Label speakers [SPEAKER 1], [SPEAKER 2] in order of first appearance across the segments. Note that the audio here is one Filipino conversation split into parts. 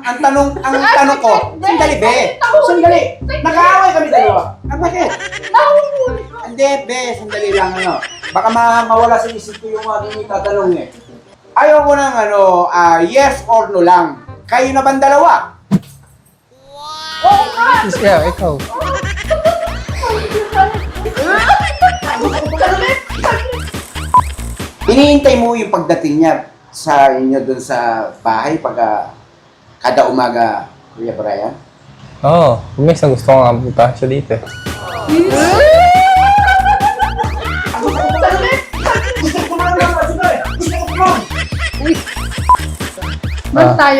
[SPEAKER 1] ang tanong ko, sandali, be. Sandali. Nag-aaway kami dalawa. Ah, bakit? Hindi, be, sandali lang, ano. Baka mawala sa isip ko yung aking itatanong eh. Ayaw ko ng, yes or no lang. Kayo na bang dalawa?
[SPEAKER 2] Yeah, ikaw.
[SPEAKER 1] Hinihintay mo yung pagdating niya sa inyo dun sa bahay pag kada umaga, Kuya Brian?
[SPEAKER 2] Oo, minsan gusto ko nga punta siya dito.
[SPEAKER 3] Ba't tayo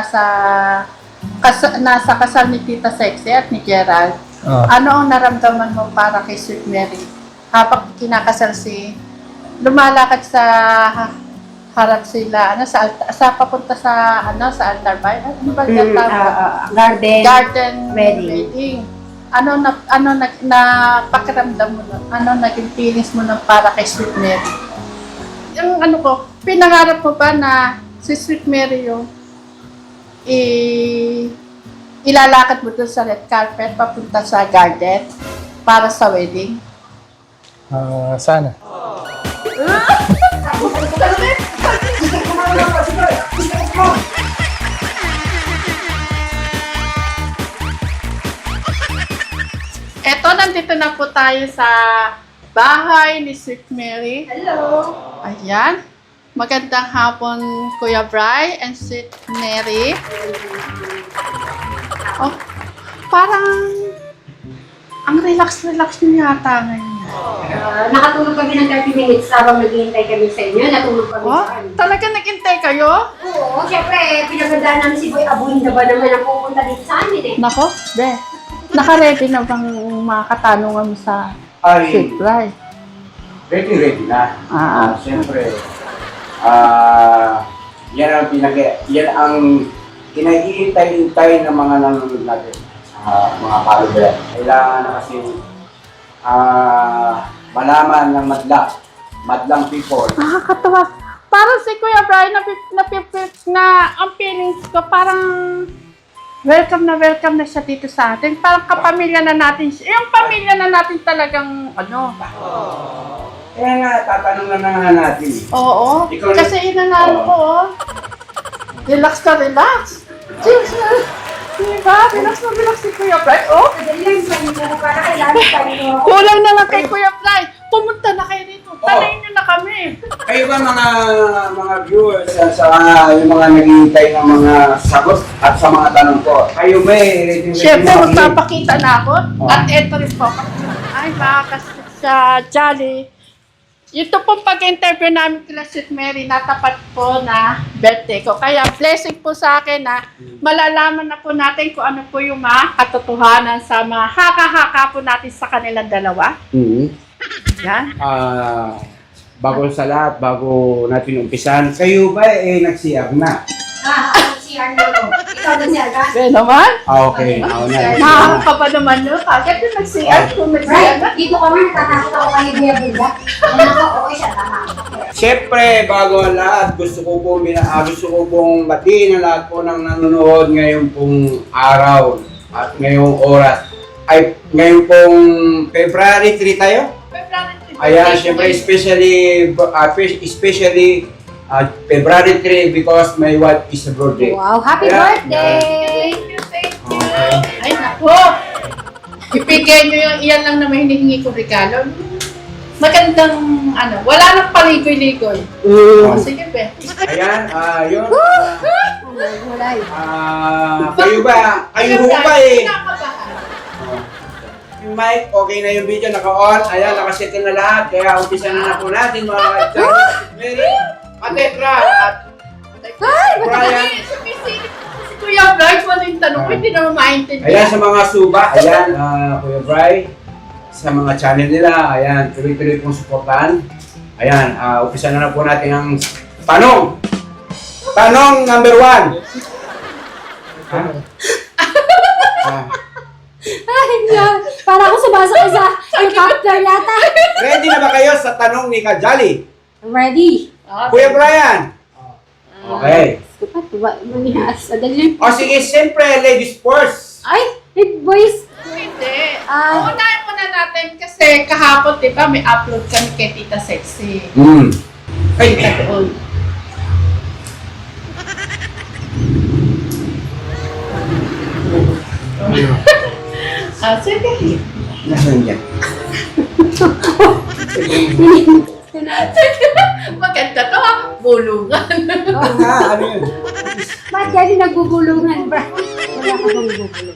[SPEAKER 3] nasa kasal ni Tita Sexy at ni Gerald? Ano ang naramdaman mo para kay Sweet Mary? Habang kinakasal lumalakad sa harap sila, sa papunta sa altar ba? Ano ba yung garden wedding. Ano pakiramdam mo nun? Ano naging feelings mo nun para kay Sweet Mary? Yung pinangarap mo ba na si Sweet Mary yung ilalakad mo doon sa red carpet papunta sa garden para sa wedding?
[SPEAKER 2] Sana. Eto, nandito na po tayo sa bahay ni Sweet Mary.
[SPEAKER 4] Hello!
[SPEAKER 3] Ayan. Magandang hapon, Kuya Bri and Sweet Mary. Oh, parang ang relax-relax niyo yata ngayon.
[SPEAKER 4] Nakatulog kami ng 30 minutes habang naghihintay kami sa inyo. Natulog kami
[SPEAKER 3] Oh,
[SPEAKER 4] sa kanya.
[SPEAKER 3] talaga nag-intay kayo?
[SPEAKER 4] Oo, syempre, pinagandaan namin si Boy Abuin na ba naman ang pupunta dito sa amin eh.
[SPEAKER 3] Nako, be. Naka-ready na bang mga katanungan mo sa
[SPEAKER 1] Ay,
[SPEAKER 3] Sweet Bri?
[SPEAKER 1] ready na. Siyempre, yan ang kinahihintay-hintay ng mga nanonood natin. Mga follower. Kailangan na kasi malaman ng madlang people.
[SPEAKER 3] Nakakatawa. Parang si Kuya Brian na ang feelings ko parang welcome na siya dito sa atin. Parang kapamilya na natin siya. Yung pamilya na natin talagang
[SPEAKER 1] Kaya nga, tatanong na nga natin.
[SPEAKER 3] Oo.
[SPEAKER 1] Ikaw na-
[SPEAKER 3] Kasi inanalo ko, Relax ka, relax. Diba? Relax si Kuya Brian. Oh,
[SPEAKER 4] Madali lang sa inyo para kailangan tayo.
[SPEAKER 3] kulang na lang kay Kuya Brian. Pumunta na kayo dito. Tanayin niyo na kami.
[SPEAKER 1] Kayo ba mga viewers yung mga naghihintay ng mga sagot at sa mga tanong ko? Kayo ba ready
[SPEAKER 3] Siyempre,
[SPEAKER 1] makinig?
[SPEAKER 3] magpapakita na ako.
[SPEAKER 1] Oh.
[SPEAKER 3] At eto rin po. Ay, makakas sa Jolly. Ito pong pag-interview namin kila Sweet Mary, natapat po na birthday ko. Kaya blessing po sa akin na malalaman na po natin kung ano po yung mga katotohanan sa mga haka-haka po natin sa kanilang dalawa. Yan.
[SPEAKER 1] Bago sa lahat, bago natin umpisan, kayo ba nag-CR na?
[SPEAKER 4] Si Arnaldo. Ikaw na siya, ka?
[SPEAKER 3] Okay naman.
[SPEAKER 1] Okay.
[SPEAKER 3] Nakaka pa naman yun. Kagad yung nag-CR. Kung nag-CR
[SPEAKER 4] Right,
[SPEAKER 3] na.
[SPEAKER 4] dito kami natatakot ako kay Kuya Buda. Okay siya, tama.
[SPEAKER 1] Siyempre, bago ang lahat, gusto ko pong batiin ang lahat po ng nanonood ngayon pong araw at ngayong oras. Ay, ngayon pong February 3 tayo? Ayan, siyempre, especially February 3 because my wife is a birthday.
[SPEAKER 4] Wow, happy
[SPEAKER 1] Ayan.
[SPEAKER 4] birthday!
[SPEAKER 3] Thank you.
[SPEAKER 1] Okay.
[SPEAKER 3] Ay, naku! Ipigay nyo yung iyan lang na may hinihingi ko regalo. Magandang, wala nang paligoy-ligoy. Sige, be.
[SPEAKER 1] Ayan, yun.
[SPEAKER 4] Walay.
[SPEAKER 1] Kayo ho ba
[SPEAKER 3] Kinakabahan.
[SPEAKER 1] Yung mic, okay na yung video, naka-on. Ayan, nakasettle na lahat. Kaya umpisa na po natin mga Mary, Atetra, at Brian.
[SPEAKER 3] Sumisilip si Kuya Brian, wala yung tanong ko, hindi naman maintindihan.
[SPEAKER 1] Ayan sa mga suba, ayan, Kuya Bri, sa mga channel nila, ayan, tuloy-tuloy pong suportahan. Ayan, umpisa na po natin ang tanong. Tanong number 1.
[SPEAKER 4] Ay, para ako sumasakay sa helicopter yata.
[SPEAKER 1] Ready na ba kayo sa tanong ni Kajali?
[SPEAKER 4] Ready.
[SPEAKER 1] Kuya Brian, Okay.
[SPEAKER 4] Dapat ba? Manias. Adali.
[SPEAKER 1] O sige, siyempre, ladies first.
[SPEAKER 4] Ay! Boys!
[SPEAKER 2] Hindi.
[SPEAKER 4] Ah.
[SPEAKER 2] Unahin muna natin kasi kahapon, di ba, may upload kami kay Tita Sexy.
[SPEAKER 1] Ay,
[SPEAKER 2] Tita Doon. Sige.
[SPEAKER 1] Nasaan yan?
[SPEAKER 2] Maganda to ha. Bulungan.
[SPEAKER 1] Ano yun?
[SPEAKER 4] Ba't yan yung nagbubulungan, bra? Wala ka bang bubulong?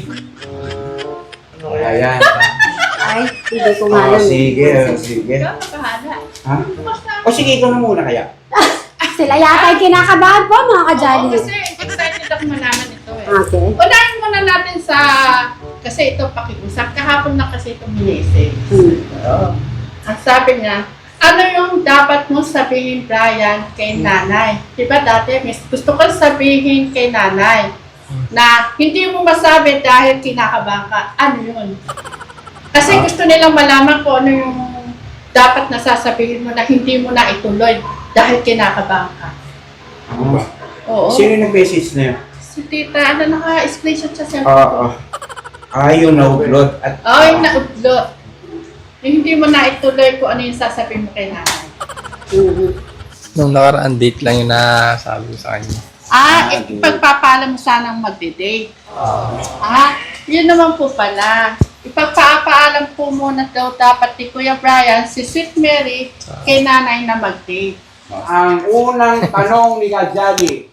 [SPEAKER 1] Ayan.
[SPEAKER 4] Ay, hindi ko nga
[SPEAKER 1] Oh,
[SPEAKER 4] alam.
[SPEAKER 1] sige, sige.
[SPEAKER 2] Ikaw, nakahala.
[SPEAKER 1] Ha? O sige, ikaw na muna kaya.
[SPEAKER 4] Sila yata yung kinakabahan po, mga
[SPEAKER 2] Oo,
[SPEAKER 4] kajali.
[SPEAKER 2] kasi excited ako malaman ito eh.
[SPEAKER 4] Okay.
[SPEAKER 2] Unahin muna natin sa, kasi ito pakiusap, kahapon na kasi ito minisip. Oo. Ang sabi niya, ano yung dapat mo sabihin, Brian, kay nanay? Diba dati, gusto ko sabihin kay nanay na hindi mo masabi dahil kinakabahan ka. Ano yun? Kasi gusto nilang malaman kung ano yung dapat na sasabihin mo na hindi mo na ituloy dahil kinakabahan ka. Oo.
[SPEAKER 1] Sino yung nag-message na yun?
[SPEAKER 2] Si tita, ano, naka-screenshot siya sa
[SPEAKER 1] Oo. Ayun, na-upload. At,
[SPEAKER 2] yung naudlot. Yung hindi mo na ituloy kung ano yung sasabihin mo kay nanay.
[SPEAKER 5] Nung nakaraan date lang yung nasabi ko sa kanya.
[SPEAKER 2] Ipagpapaalam mo sanang magde-date. Yun naman po pala. Ipagpapaalam po muna daw dapat ni Kuya Brian, si Sweet Mary, kay nanay na mag-date.
[SPEAKER 1] ang unang tanong ni Kajali,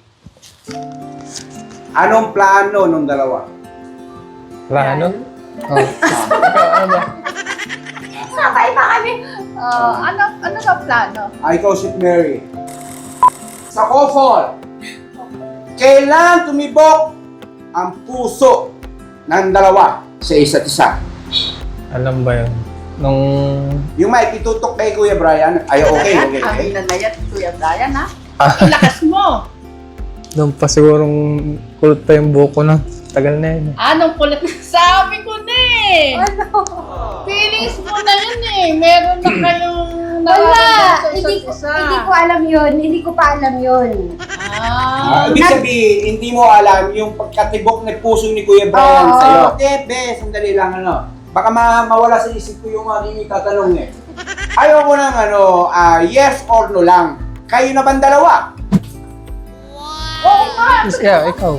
[SPEAKER 1] anong plano nung dalawa?
[SPEAKER 5] Plano? Oh. Ikaw, ano ba?
[SPEAKER 4] Sabay pa kami.
[SPEAKER 2] Ano ba plano?
[SPEAKER 1] Ay, ikaw si Mary. Sa couple, kailan tumibok ang puso ng dalawa sa isa't isa?
[SPEAKER 5] Alam ba yun? Nung...
[SPEAKER 1] Yung mic, itutok kay Kuya Brian. Ay, okay.
[SPEAKER 2] Ang nanayat ni Kuya Brian, ha?
[SPEAKER 5] Ah.
[SPEAKER 2] Ilakas mo.
[SPEAKER 5] Nung pa sigurong kulot pa yung buko na. Tagal na yun.
[SPEAKER 2] Anong kulit? Sabi ko na eh.
[SPEAKER 4] Ano?
[SPEAKER 2] Feelings mo na yun eh. Meron na kayong
[SPEAKER 4] Wala!
[SPEAKER 2] nararamdaman sa
[SPEAKER 4] Hindi
[SPEAKER 2] isa't
[SPEAKER 4] ko,
[SPEAKER 2] isa.
[SPEAKER 4] hindi ko alam yun. Hindi ko pa alam yun.
[SPEAKER 1] Ibig sabihin, hindi mo alam yung pagkatibok ng puso ni Kuya Brian
[SPEAKER 4] Oo.
[SPEAKER 1] sa'yo. Be, sandali lang Baka mawala sa isip ko yung aking itatanong eh. Ayoko ng yes or no lang. Kayo na bang dalawa?
[SPEAKER 2] Oo nga.
[SPEAKER 5] Yes, yeah, ikaw.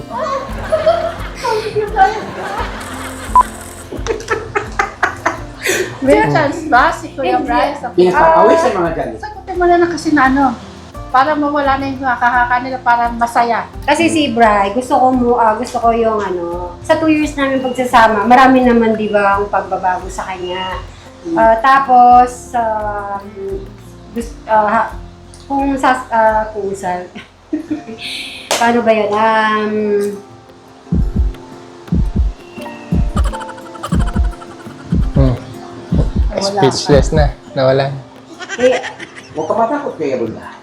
[SPEAKER 2] May chance ba si Kuya Brian sa
[SPEAKER 1] Pinapakawis sa mga dyan.
[SPEAKER 2] Sagutin mo na lang kasi na ano, para mawala na yung nakakaka nila, para masaya.
[SPEAKER 4] Kasi si Bri, gusto ko yung sa 2 years namin pagsasama, marami naman di ba ang pagbabago sa kanya. Tapos, paano ba yun?
[SPEAKER 5] Speechless na. Nawala.
[SPEAKER 1] Huwag ka matakot kay Rula.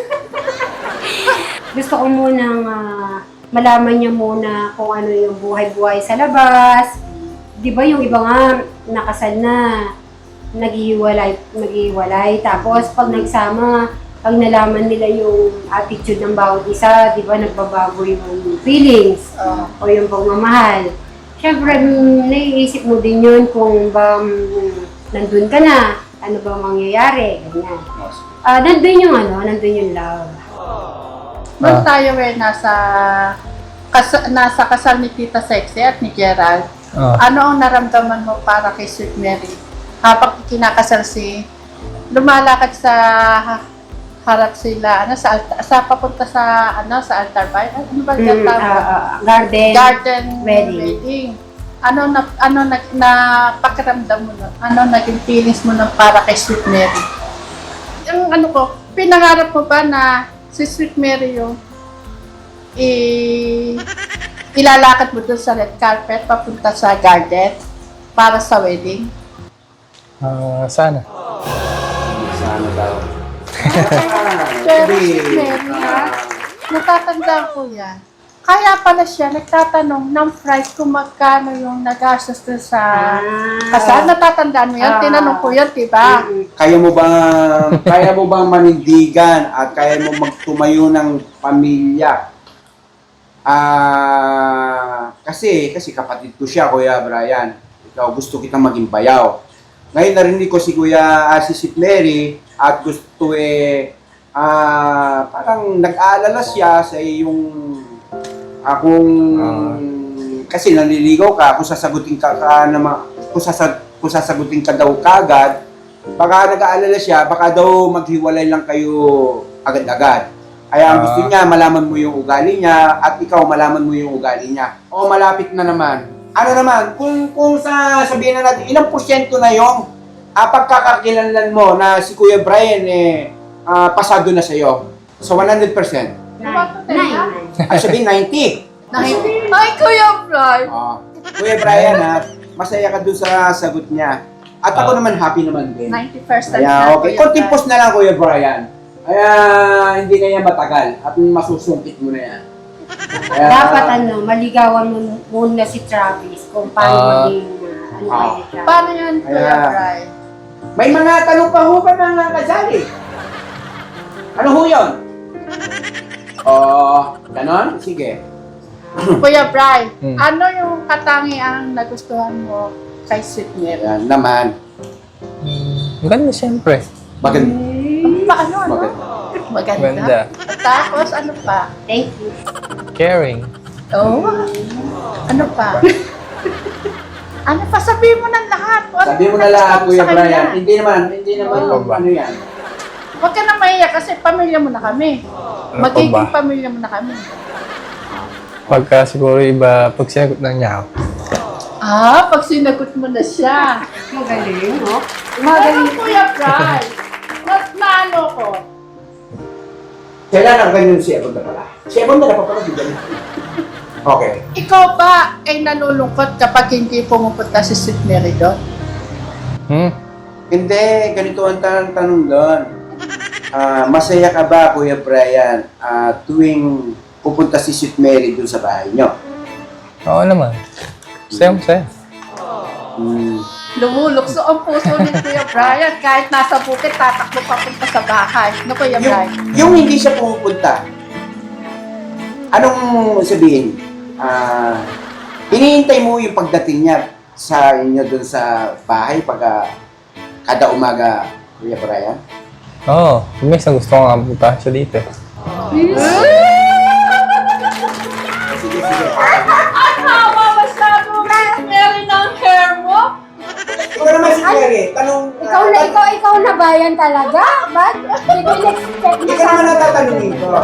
[SPEAKER 4] Gusto ko munang malaman niya muna kung ano yung buhay-buhay sa labas. Di ba yung iba nga nakasal na, naghihiwalay. Tapos pag nagsama, pag nalaman nila yung attitude ng bawat isa, di ba nagbabago yung feelings o yung pagmamahal. Siyempre, naiisip mo din yun kung ba nandun ka na, ano ba mangyayari, ganyan. Nandun yung love.
[SPEAKER 2] Nung tayo nasa kasal ni Tita Sexy at ni Gerald, ano ang naramdaman mo para kay Sweet Mary? Habang kinakasal lumalakad sa harap sila, sa papunta sa altar ba? Ano ba yung garden wedding. Ano pakiramdam mo nun? Ano naging feelings mo nun para kay Sweet Mary? Yung pinangarap mo ba na si Sweet Mary yung ilalakad mo dun sa red carpet papunta sa garden para sa wedding?
[SPEAKER 5] Sana.
[SPEAKER 1] Sana daw.
[SPEAKER 2] Pero Sweet Mary, ha? Natatandaan ko yan.
[SPEAKER 3] Kaya pala siya nagtatanong ng price kung magkano yung nagastos doon sa kasal. Natatandaan mo yan? Tinanong ko yan, diba?
[SPEAKER 1] Kaya mo bang manindigan at kaya mo magtumayo ng pamilya? Kasi kapatid ko siya, Kuya Brian. Ikaw, gusto kitang maging bayaw. Ngayon narinig ko si si St. Mary at gusto parang nag-aalala siya sa iyong kasi naliligaw ka kung sasagutin ka kung sasagutin ka daw kagad, baka nag-aalala siya, baka daw maghiwalay lang kayo agad-agad. Kaya ang gusto niya, malaman mo yung ugali niya at ikaw malaman mo yung ugali niya. O malapit na naman. Ano naman, kung sabihin na natin, ilang porsyento na yung pagkakakilanlan mo na si Kuya Brian pasado na sa'yo? So 100%. Ay, sabihin 90.
[SPEAKER 3] Ay, Kuya Brian!
[SPEAKER 1] Kuya Brian, masaya ka dun sa sagot niya. At ako naman, happy naman din.
[SPEAKER 3] 90%
[SPEAKER 1] Kaya,
[SPEAKER 3] na,
[SPEAKER 1] okay.
[SPEAKER 3] Kuya
[SPEAKER 1] Konting
[SPEAKER 3] Brian.
[SPEAKER 1] post na lang, Kuya Brian. Kaya, hindi na yan matagal. At masusungkit mo na yan. Kaya,
[SPEAKER 4] Dapat maligawan mo muna si Travis kung paano maging kay Travis.
[SPEAKER 3] Paano yan, Kuya
[SPEAKER 1] Kaya-
[SPEAKER 3] Brian?
[SPEAKER 1] May mga tanong pa ho ba mga kasali? Ano ho yun? Ganon? Sige.
[SPEAKER 3] Kuya Brian,
[SPEAKER 5] Hmm.
[SPEAKER 3] ano yung katangiang nagustuhan mo kay Sweet Mary?
[SPEAKER 1] Ayan naman.
[SPEAKER 5] Maganda siyempre.
[SPEAKER 1] Maganda.
[SPEAKER 3] Paano, ano?
[SPEAKER 1] Maganda.
[SPEAKER 3] Maganda.
[SPEAKER 5] Maganda.
[SPEAKER 3] Tapos, ano pa?
[SPEAKER 4] Thank you.
[SPEAKER 5] Caring.
[SPEAKER 3] Oh, ano pa? Ano pa? Sabihin mo ng lahat. Ano
[SPEAKER 1] Sabi mo
[SPEAKER 3] yung
[SPEAKER 1] na lahat,
[SPEAKER 3] nagustuhan mo
[SPEAKER 1] Kuya
[SPEAKER 3] sa kanya?
[SPEAKER 1] Brian. Hindi naman
[SPEAKER 5] Oo.
[SPEAKER 1] ano yan.
[SPEAKER 3] Huwag ka na mahiya kasi pamilya mo na kami.
[SPEAKER 5] Ano pa
[SPEAKER 3] Magiging
[SPEAKER 5] ba?
[SPEAKER 3] pamilya mo na kami.
[SPEAKER 5] Pagka siguro iba, pag sinagot na niya ako.
[SPEAKER 3] Pag sinagot mo na siya.
[SPEAKER 4] Magaling, no?
[SPEAKER 3] Ano,
[SPEAKER 4] Magaling.
[SPEAKER 3] Kuya Brian? Naano ko?
[SPEAKER 1] Kailan ang ganyan si Ebon na pala? Si Ebon na pala, di ba? Okay.
[SPEAKER 3] Ikaw ba ay nalulungkot kapag hindi pumupunta si Sweet Mary doon?
[SPEAKER 1] Hindi, ganito ang tanong doon. Masaya ka ba, Kuya Brian, tuwing pupunta si Sweet Mary doon sa bahay niyo?
[SPEAKER 5] Oo naman. Masaya.
[SPEAKER 3] Lumulukso ang puso ni Kuya Brian. Kahit nasa bukid, tatakbo papunta sa bahay. No, Kuya Brian?
[SPEAKER 1] Yung hindi siya pumupunta, anong sabihin? Hinihintay mo yung pagdating niya sa inyo doon sa bahay pag kada umaga, Kuya Brian?
[SPEAKER 5] Oo. Minsan gusto ko nga punta siya dito.
[SPEAKER 1] Sige, sige.
[SPEAKER 3] Tama, masyado, Sweet Mary ng hair mo.
[SPEAKER 1] Ikaw naman si Mary, tanong...
[SPEAKER 4] Ikaw na ba yan talaga? Ba't? Hindi ko in-expect na
[SPEAKER 1] Ikaw naman natatanungin ko.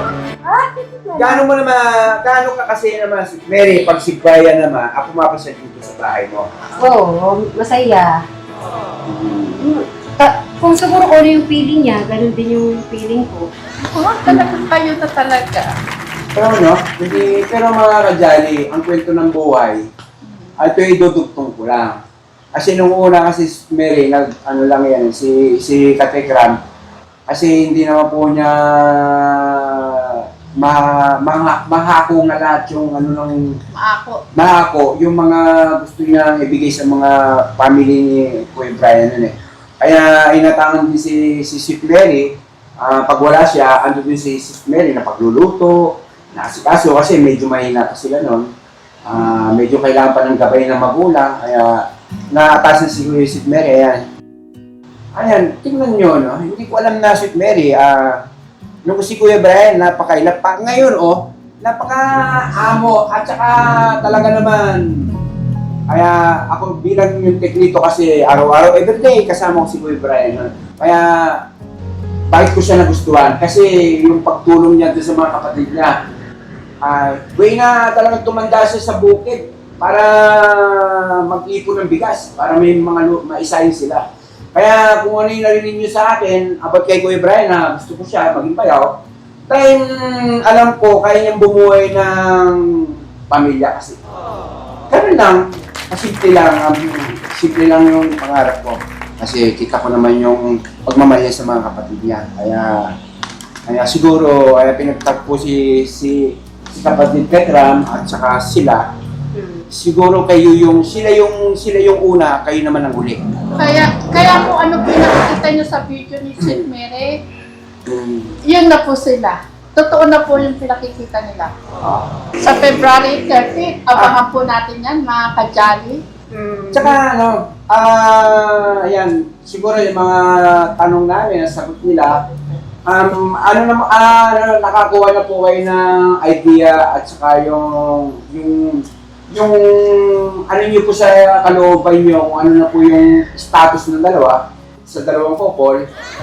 [SPEAKER 1] Gaano ka kasi naman si Mary, pag si Brian naman, ako mapasya dito sa bahay mo.
[SPEAKER 4] Oo, masaya. Kung siguro ko ano yung feeling niya, ganun din yung feeling ko.
[SPEAKER 3] Talagang kayo na talaga.
[SPEAKER 1] Pero mga kajali, ang kwento ng buhay, ito ay dudugtong ko lang. Kasi nung una kasi si Mary, ano lang yan, si Katekram, kasi hindi naman po niya mahako nga lahat yung mahako, yung mga gusto niya ibigay sa mga family ni Kuya Brian nun eh. Kaya inatangan din si Sweet Mary, pag wala siya, ando din si Sweet Mary na pagluluto, naasikaso kasi medyo mahina pa sila nun. Medyo kailangan pa ng gabay ng magulang, kaya naatasan si Sweet Mary, ayan, tingnan nyo, no? Hindi ko alam na Sweet Mary, nung si Kuya Brian, napakailap pa. Ngayon, napaka-amo at saka talaga naman, kaya ako bilang yung teknito kasi araw-araw, everyday kasama ko si Kuya Brian. No? Kaya bakit ko siya nagustuhan? Kasi yung pagtulong niya doon sa mga kapatid niya, way na talagang tumanda siya sa bukid para mag-ipon ng bigas, para may mga maisahin sila. Kaya kung ano yung narinig niyo sa akin, about kay Kuya Brian na gusto ko siya maging bayaw, dahil alam ko, kaya niyang bumuhay ng pamilya kasi. Ganun lang, simple lang yung pangarap ko. Kasi kita ko naman yung pagmamahal niya sa mga kapatid niya. Kaya siguro, pinagtagpo si si kapatid Petram at saka sila, siguro sila yung una, kayo naman ang huli.
[SPEAKER 3] Kaya kung ano pinakikita nyo sa video ni Sweet Mary, yun na po sila. Totoo na po yung pinakikita nila. Sa February 13, abangan po natin yan, mga ka-jolly.
[SPEAKER 1] Tsaka ayan, siguro yung mga tanong namin, nasagot nila, nakakuha na po kayo ng idea at saka yung ano niyo po sa kalooban niyo, kung ano na po yung status ng dalawa, sa dalawang couple,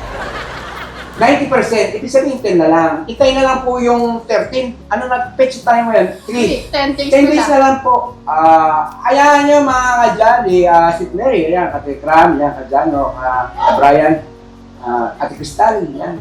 [SPEAKER 1] 90%, ibig sabihin 10 na lang. Itay na lang po yung 13. Ano na-fetch tayo ngayon? 3.
[SPEAKER 3] 10 days
[SPEAKER 1] 10 days na lang po. Hayaan nyo mga ka-Jolly, Sweet Mary, ayan, Kate Cram, ayan, ka-Jano, Brian, Ate Crystal, ayan.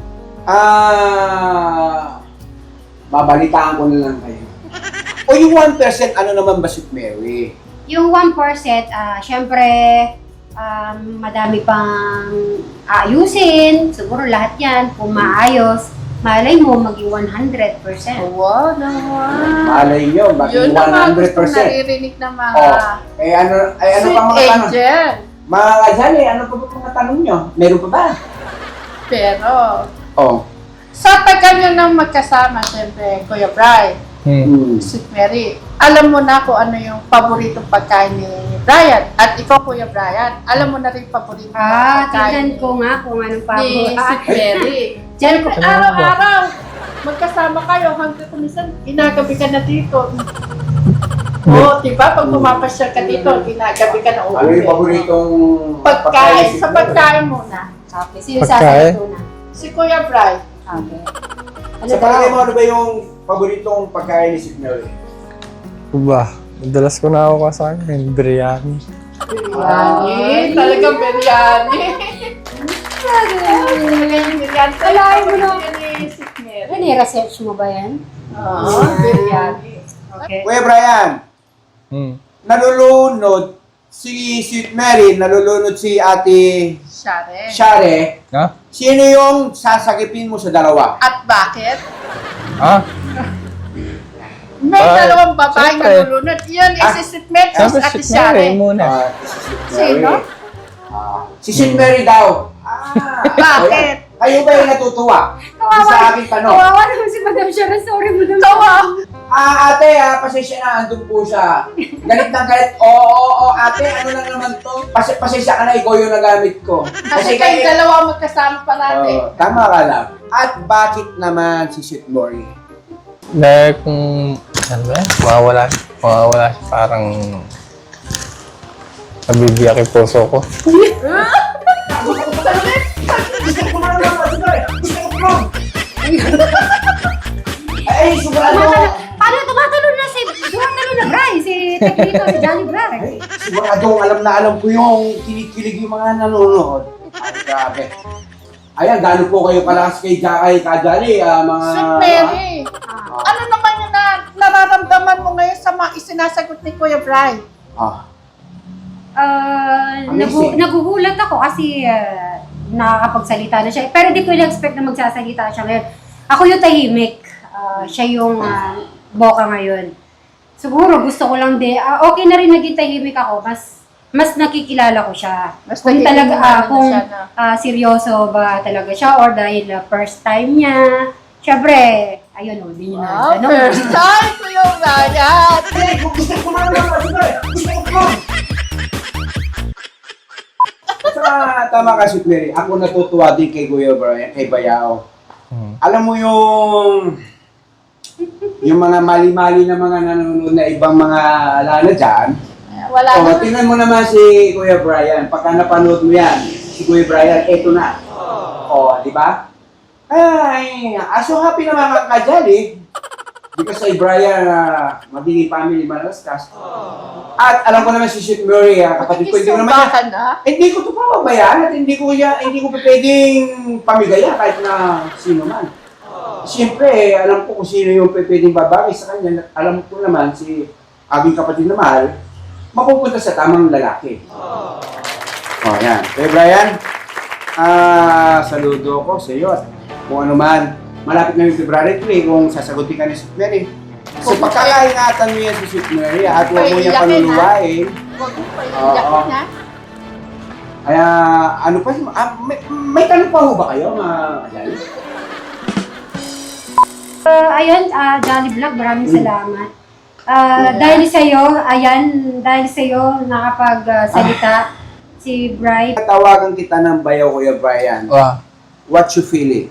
[SPEAKER 1] Babalitaan ko na lang kayo. O yung 1%, ano naman ba Sweet Mary?
[SPEAKER 4] Yung 1%, syempre, madami pang ayusin. Siguro lahat yan, kung maayos, malay mo maging 100%.
[SPEAKER 3] Wow naman.
[SPEAKER 1] Malay nyo, bakit
[SPEAKER 3] Yun naman gusto
[SPEAKER 1] 100%?
[SPEAKER 3] naririnig ng mga
[SPEAKER 1] ano pa
[SPEAKER 3] sweet
[SPEAKER 1] mga tanong?
[SPEAKER 3] angel.
[SPEAKER 1] Mga ka-Jolly, ano pa ba mga tanong nyo? Meron pa ba?
[SPEAKER 3] Pero,
[SPEAKER 1] Oh.
[SPEAKER 3] sa tagal nyo nang magkasama, siyempre, Kuya Bri, Sweet Mary, alam mo na kung ano yung paboritong pagkain ni Brian. At ikaw, Kuya Brian, alam mo na rin paboritong
[SPEAKER 4] Tignan ko nga kung anong
[SPEAKER 3] ni Sweet Mary.
[SPEAKER 4] Diyan ko.
[SPEAKER 3] Araw-araw, magkasama kayo hanggang kumisan, ginagabi ka na dito. Oo, diba? Pag pumapasyal ka dito, ginagabi ka na uuwi.
[SPEAKER 1] Ano yung paboritong
[SPEAKER 3] Pagkain,
[SPEAKER 1] ni
[SPEAKER 3] sa
[SPEAKER 1] Sweet Mary?
[SPEAKER 3] pagkain muna.
[SPEAKER 4] Okay, sino
[SPEAKER 5] Pagkain?
[SPEAKER 4] sasagot na?
[SPEAKER 3] Si Kuya Brian.
[SPEAKER 4] Okay.
[SPEAKER 1] Sa palagay mo, ano ba yung paboritong pagkain ni Sweet Mary?
[SPEAKER 5] Ba, madalas ko na ako kasakin, biryani.
[SPEAKER 3] Biryani. Talagang biryani. Biryani.
[SPEAKER 4] Kalahin mo na.
[SPEAKER 3] Ni Sweet Mary.
[SPEAKER 4] Research mo ba yan?
[SPEAKER 3] Oo, biryani.
[SPEAKER 4] Okay.
[SPEAKER 1] Kuya Brian, nalulunod si Sweet Mary, nalulunod si Ate
[SPEAKER 3] Share.
[SPEAKER 1] Share.
[SPEAKER 5] Ha?
[SPEAKER 1] Sino yung sasagipin mo sa dalawa?
[SPEAKER 3] At bakit?
[SPEAKER 5] Ha?
[SPEAKER 3] May
[SPEAKER 5] Ay,
[SPEAKER 3] dalawang babaeng
[SPEAKER 5] siyempre.
[SPEAKER 3] nalulunod. Yun is si Sweet Mary
[SPEAKER 5] Siyempre,
[SPEAKER 3] at si
[SPEAKER 5] Sweet Mary
[SPEAKER 3] Share.
[SPEAKER 5] muna.
[SPEAKER 1] Si Sweet Mary.
[SPEAKER 3] Sino?
[SPEAKER 1] Si Sweet Mary daw.
[SPEAKER 3] Bakit?
[SPEAKER 1] Kayo ba yung natutuwa? Sa aking tanong.
[SPEAKER 4] Kawawa naman si Madam Sharon. Sorry, Madam
[SPEAKER 1] Ate, pasensya na, andun po siya. Galit na galit. Oo, ate, ano lang naman to? Pasensya ka na, ikaw yung nagamit ko.
[SPEAKER 3] Kasi kayo dalawa magkasama parati.
[SPEAKER 1] Tama ka lang. At bakit naman si Sweet Mary?
[SPEAKER 5] Dahil kung, ano ba, mawawala siya, parang nabibiyak yung puso ko.
[SPEAKER 1] Ay, sigurado.
[SPEAKER 4] Paano tumatalon na si Bray? Si Tegrito, si Johnny Bray.
[SPEAKER 1] Ay, siguradong alam ko yung kinikilig yung mga nanonood. Ay, grabe. Ayan, gano'n po kayo kalakas kay Kajali, mga...
[SPEAKER 3] Sweet Mary, ano naman yung nararamdaman mo ngayon sa mga isinasagot ni Kuya Bri?
[SPEAKER 1] Amazing.
[SPEAKER 4] Nagugulat ako kasi nakakapagsalita na siya. Pero di ko na-expect na magsasalita siya ngayon. Ako yung tahimik. Siya yung boka ngayon. Siguro gusto ko lang okay na rin naging tahimik ako. Mas nakikilala ko siya.
[SPEAKER 3] Mas
[SPEAKER 4] Kung talaga,
[SPEAKER 3] nakikilala
[SPEAKER 4] kung
[SPEAKER 3] siya na.
[SPEAKER 4] seryoso ba talaga siya or dahil first time niya. Siyempre, ayun o, hindi niyo na tanong.
[SPEAKER 3] First time ko yung Ryan.
[SPEAKER 1] Gusto ko na. Tama ka, Sweet Mary. Ako natutuwa din kay Kuya Brian, kay Bayao. Alam mo yung mga mali-mali na mga nanonood na ibang mga alala dyan.
[SPEAKER 3] Wala na.
[SPEAKER 1] Tingnan mo naman si Kuya Brian. Pagka napanood mo yan, si Kuya Brian, eto na. Di ba? Ay, so happy naman ka dyan eh. Because kay Brian, magiging family malaskas. At alam ko naman si Sweet Mary, kapatid ko, hindi ko naman
[SPEAKER 3] Isumbakan na.
[SPEAKER 1] hindi ko ito pababayaan at hindi ko pa pwedeng pamigaya kahit na sino man. Siyempre, alam ko kung sino yung pwedeng babagay sa kanya. Alam ko naman si aking kapatid na mahal, mapupunta sa tamang lalaki. Yan. Kaya Brian, saludo ko sa iyo at kung ano man, malapit na yung February 3 kung sasagutin ka ni Sweet Mary. So pagkakaingatan mo yan si Sweet Mary at huwag mo niya
[SPEAKER 3] Paiyakin, ha?
[SPEAKER 1] panuluwain.
[SPEAKER 3] Huwag mo pa iiyakin, ha?
[SPEAKER 1] Kaya ano pa, may tanong pa ho ba kayo mga kajali?
[SPEAKER 4] Ayun, Jolly Vlog, maraming salamat. Dahil sa'yo, nakapagsalita si Bright.
[SPEAKER 1] Tawagan kita ng bayaw, Kuya Brian.
[SPEAKER 5] Wow.
[SPEAKER 1] What you feeling?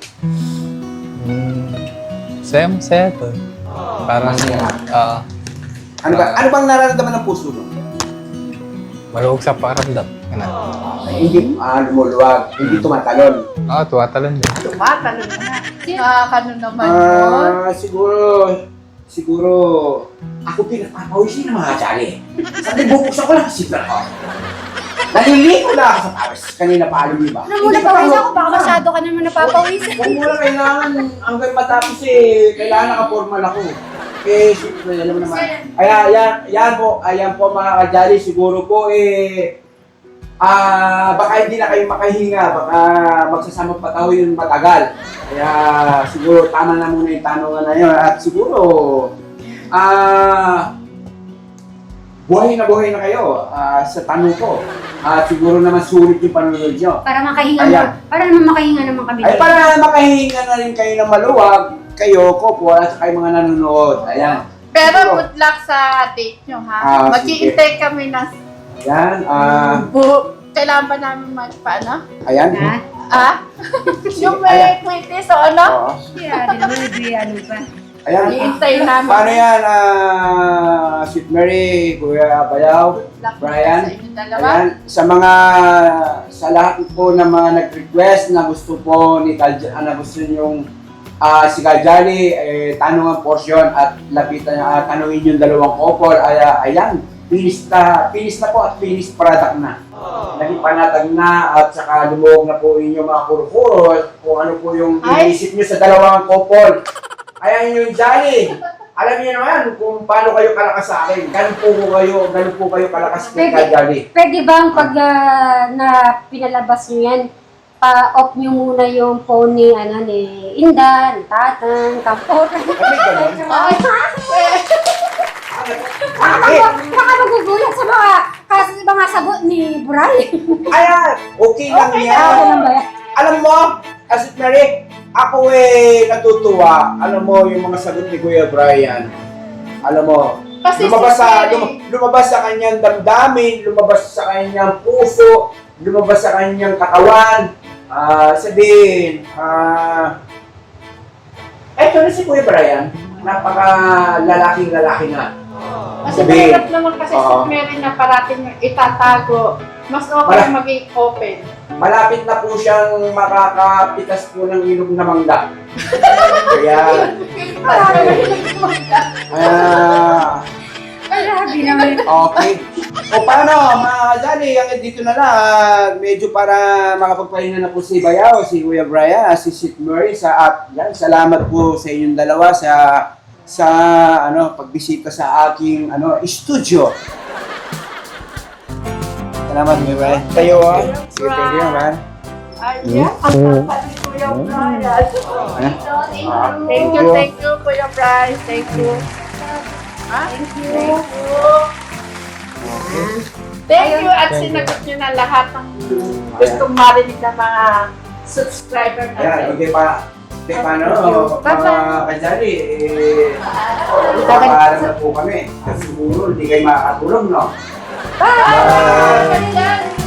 [SPEAKER 5] Masaya to. Parang,
[SPEAKER 1] Ano bang nararamdaman ng puso mo?
[SPEAKER 5] maluwag sa pakiramdam.
[SPEAKER 1] Hindi lumuluwag, hindi tumatalon.
[SPEAKER 5] Tuwatalon din.
[SPEAKER 3] Tumatalon na. Nakakano naman yun.
[SPEAKER 1] Siguro, ako pinagpapawisin ng mga kajali. Sabi, bubuksan ko lang si ko. Naliligo na ako sa pawis. Kanina pa alam niyo ba?
[SPEAKER 4] Ano muna pawis ako? Baka masyado ka naman napapawis.
[SPEAKER 1] Huwag mo lang kailangan, hanggang matapos kailangan naka-formal ako. Siyempre, alam mo naman. Ayan po mga kajali, siguro po baka hindi na kayo makahinga, baka magsasama pa tayo yung matagal. Kaya siguro tama na muna yung tanongan na yun. At siguro, buhay na kayo sa tanong ko. At siguro naman sulit yung panonood nyo.
[SPEAKER 4] Para makahinga
[SPEAKER 1] Ayan.
[SPEAKER 4] para naman makahinga naman kami.
[SPEAKER 1] Ay, para makahinga na rin kayo ng maluwag, kayo, Kopo, at kayo mga nanonood. Ayan.
[SPEAKER 3] Pero good luck sa date nyo, ha? Mag-iintay kami ng
[SPEAKER 1] Ayan.
[SPEAKER 3] kailangan ba namin magpaano?
[SPEAKER 1] Ayan.
[SPEAKER 4] Ha?
[SPEAKER 3] Ah? Yung may quitis o ano?
[SPEAKER 1] Oo.
[SPEAKER 4] Yeah, di naman ano pa.
[SPEAKER 1] Ayan.
[SPEAKER 3] Iintay namin.
[SPEAKER 1] Paano yan, Sweet Mary, Kuya Bayaw,
[SPEAKER 3] Good luck
[SPEAKER 1] Brian?
[SPEAKER 3] sa inyo dalawa.
[SPEAKER 1] Ayan, sa lahat po ng mga nag-request na gusto po ni na gusto nyong si Kaljali, tanong ang portion at lapitan tanungin yung dalawang couple. Ayan, finish na po at finished product na. Naging panatag na at saka lumuhog na po inyong mga kuro-kuro kung ano po yung iniisip nyo sa dalawang couple. Ayan yung Jolly. Alam niyo naman kung paano kayo kalakas sa akin. Ganun po kayo kalakas kay Jolly.
[SPEAKER 4] Pwede bang pag na pinalabas nyo yan, pa-off nyo muna yung phone ni Inda, ni Tatang, Kampor.
[SPEAKER 1] Ano ganun?
[SPEAKER 4] Baka magugulat sa mga sagot ni Brian.
[SPEAKER 1] Ayan, okay lang
[SPEAKER 4] Ako
[SPEAKER 1] yan.
[SPEAKER 4] lang ba yan?
[SPEAKER 1] Alam mo, Asit Mary, ako natutuwa. Alam mo, yung mga sagot ni Kuya Brian. Alam mo,
[SPEAKER 3] Kasi
[SPEAKER 1] lumabas sa kanyang damdamin, lumabas sa kanyang puso, lumabas sa kanyang katawan. Sabihin, eto na si Kuya Brian, napaka-lalaking-lalaki na.
[SPEAKER 3] Kasi mahirap naman kasi si Mary na parating itatago. Mas okay maging open.
[SPEAKER 1] Malapit na po siyang makakapitas po ng ilog na mangga. Kaya,
[SPEAKER 4] Grabe naman.
[SPEAKER 1] okay. O paano, mga Jolly, hanggang dito na lang. Medyo para makapagpahinga na po si Bayaw, si Kuya Brian, si Sweet Mary, salamat po sa inyong dalawa sa pagbisita sa aking studio. Salamat, Kuya Brian. Tayo, sige, thank you, man.
[SPEAKER 3] Ayan, ang kapal ni Kuya Brian. Thank you, Kuya Brian. Thank you. Thank you at sinagot nyo na lahat ng gustong marinig ng mga subscriber
[SPEAKER 1] Ayan,
[SPEAKER 3] natin.
[SPEAKER 1] paano, mga Kajali, papaalam na po kami. Kasi siguro, hindi kayo makakatulong, no?
[SPEAKER 3] Bye!